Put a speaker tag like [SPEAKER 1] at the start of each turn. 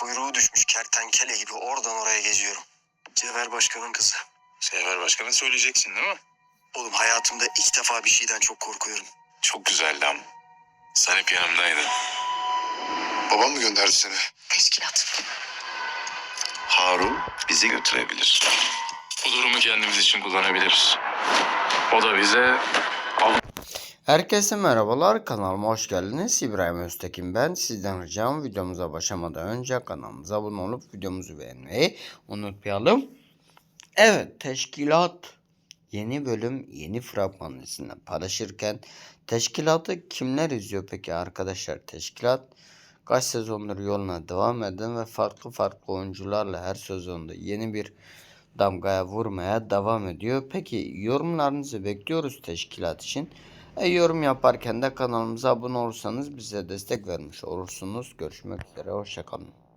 [SPEAKER 1] Kuyruğu düşmüş kertenkele gibi oradan oraya geziyorum. Cevher Başkan'ın kızı.
[SPEAKER 2] Sefer Başkan'a söyleyeceksin değil mi?
[SPEAKER 1] Oğlum hayatımda ilk defa bir şeyden çok korkuyorum.
[SPEAKER 2] Çok güzeldi ama. Sen hep yanımdaydın.
[SPEAKER 3] Babam mı gönderdi seni?
[SPEAKER 4] Teşkilat.
[SPEAKER 2] Harun bizi götürebilir. Bu durumu kendimiz için kullanabiliriz. O da bize
[SPEAKER 5] Herkese merhabalar, kanalıma hoş geldiniz. İbrahim Öztekin ben. Sizden ricam videomuza başlamadan önce kanalımıza abone olup videomuzu beğenmeyi unutmayalım. Evet, Teşkilat yeni bölüm yeni fragman dizisinden paylaşırken Teşkilat'ı kimler izliyor peki arkadaşlar? Teşkilat kaç sezondur yoluna devam eden ve farklı oyuncularla her sezonda yeni bir damgaya vurmaya devam ediyor. Peki yorumlarınızı bekliyoruz Teşkilat için. Yorum yaparken de kanalımıza abone olursanız bize destek vermiş olursunuz. Görüşmek üzere, hoşçakalın.